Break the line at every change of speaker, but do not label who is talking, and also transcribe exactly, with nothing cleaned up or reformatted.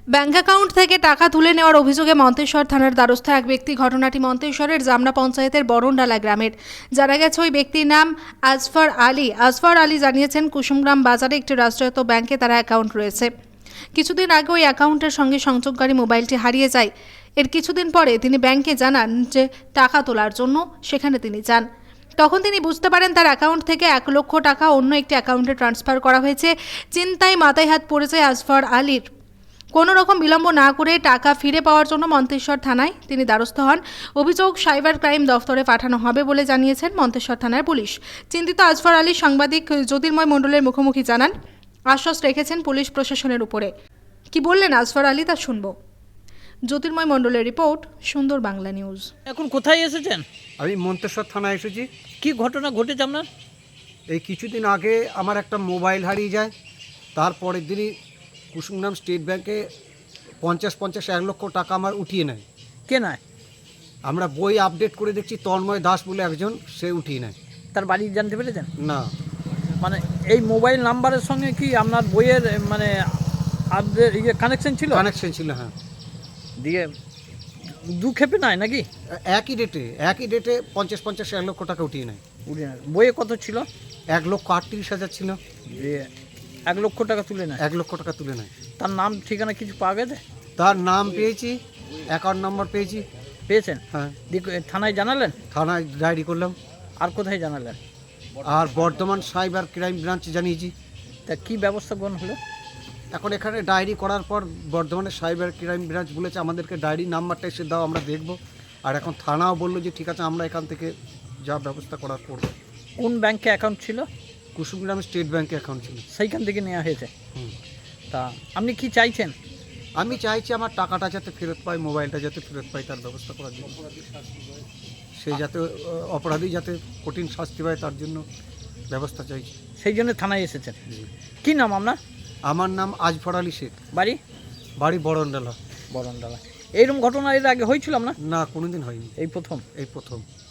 Bank account থেকে টাকা তুলে নেওয়ার অভিযোগে মন্তেশ্বর থানার দ্বারস্থ এক ব্যক্তি। ঘটনাটি মন্তেশ্বরের জামনা পঞ্চায়েতের বরণডালা গ্রামের। জানা গেছে ওই ব্যক্তির নাম আজফর আলী। আজফর আলী জানিয়েছেন কুসুমগ্রাম বাজারে একটি রাষ্ট্রায়ত্ত ব্যাংকে তার অ্যাকাউন্ট রয়েছে। কিছুদিন আগে ওই অ্যাকাউন্টের সঙ্গে সংযোগকারী মোবাইলটি হারিয়ে যায়। এর কিছুদিন পরে তিনি ব্যাংকে জানান যে টাকা তোলার জন্য সেখানে তিনি যান। তখন তিনি বুঝতে পারেন তার অ্যাকাউন্ট থেকে এক লক্ষ টাকা অন্য একটি অ্যাকাউন্টে ট্রান্সফার করা হয়েছে। চিন্তায় মাথায় হাত পড়েছে আজফর আলীর। কোনো রকম বিলম্ব না করে টাকা ফিরে পাওয়ার জন্য মন্তেশ্বর থানায় তিনি দ্বারস্থ হন। অভিযোগ সাইবার ক্রাইম দফতরে পাঠানো হবে বলে জানিয়েছেন মন্তেশ্বর থানার পুলিশ। চিন্তিত আজফর আলী সাংবাদিক জ্যোতির্ময় মণ্ডলের মুখোমুখি জানান, আশ্বাস রেখেছেন পুলিশ প্রশাসনের উপরে। কি বললেন আজফর আলী তা শুনব। জ্যোতির্ময় মণ্ডলের রিপোর্ট, সুন্দর বাংলা নিউজ।
এখন কোথায় এসেছেন?
আমি মন্তেশ্বর থানায় এসেছি।
কি ঘটনা ঘটেছে আপনার?
এই কিছুদিন আগে আমার একটা মোবাইল হারিয়ে যায়। তারপরের দিনই কুসুমগ্রাম স্টেট ব্যাংকে পঞ্চাশ পঞ্চাশ এক লক্ষ টাকা আমার উঠিয়ে নেয়।
কে নয়?
আমরা বই আপডেট করে দেখছি তন্ময় দাস বলে একজন, সে উঠিয়ে নেয়।
তার বাড়ি জানতে পেরেছেন?
না,
মানে এই মোবাইল নাম্বারের সঙ্গে কি আপনার বইয়ের মানে আপডেট ইয়ে কানেকশন ছিল?
কানেকশন ছিল, হ্যাঁ।
দিয়ে দু খেপে নাই নাকি?
একই ডেটে একই ডেটে পঞ্চাশ পঞ্চাশ এক লক্ষ টাকা উঠিয়ে নেয়।
উঠিয়ে নেয়। বইয়ে কত ছিল?
এক লক্ষ আটত্রিশ হাজার ছিল।
দিয়ে এক লক্ষ টাকা তুলে নেয়।
এক লক্ষ টাকা তুলে নেয়।
তার নাম ঠিকানা কিছু পাওয়া গেছে?
তার নাম পেয়েছি, অ্যাকাউন্ট নাম্বার পেয়েছি।
পেয়েছেন?
হ্যাঁ।
দিয়ে থানায় জানালেন?
থানায় ডায়েরি করলাম।
আর কোথায় জানালেন?
আর বর্ধমান সাইবার ক্রাইম ব্রাঞ্চে জানিয়েছি।
তা কি ব্যবস্থা গ্রহণ হলো?
এখন এখানে ডায়েরি করার পর বর্ধমানের সাইবার ক্রাইম ব্রাঞ্চ বলেছে আমাদেরকে ডায়েরি নাম্বারটা এসে দাও, আমরা দেখব। আর এখন থানাও বললো যে ঠিক আছে, আমরা এখান থেকে যা ব্যবস্থা করার করব।
কোন ব্যাংকে অ্যাকাউন্ট ছিল?
কুসুমগ্রাম স্টেট ব্যাংকে অ্যাকাউন্ট ছিল।
সেইখান থেকে নেওয়া হয়েছে।
হুম।
তা আপনি কি চাইছেন?
আমি চাইছি আমার টাকাটা যাতে ফেরত পাই, মোবাইলটা যাতে ফেরত পাই, তার ব্যবস্থা করার জন্য। সে যাতে আহ, অপরাধী যাতে কঠিন শাস্তি পায় তার জন্য ব্যবস্থা চাইছি।
সেই জন্য থানায় এসেছেন।
জি।
কি নাম আপনার?
আমার নাম আজফর আলী শেখ,
বাড়ি?
বাড়ি বরণডালা।
বরণডালা। এইরকম ঘটনা এর আগে হয়েছিল না?
না, কোনোদিন হয়নি,
এই প্রথম?
এই প্রথম।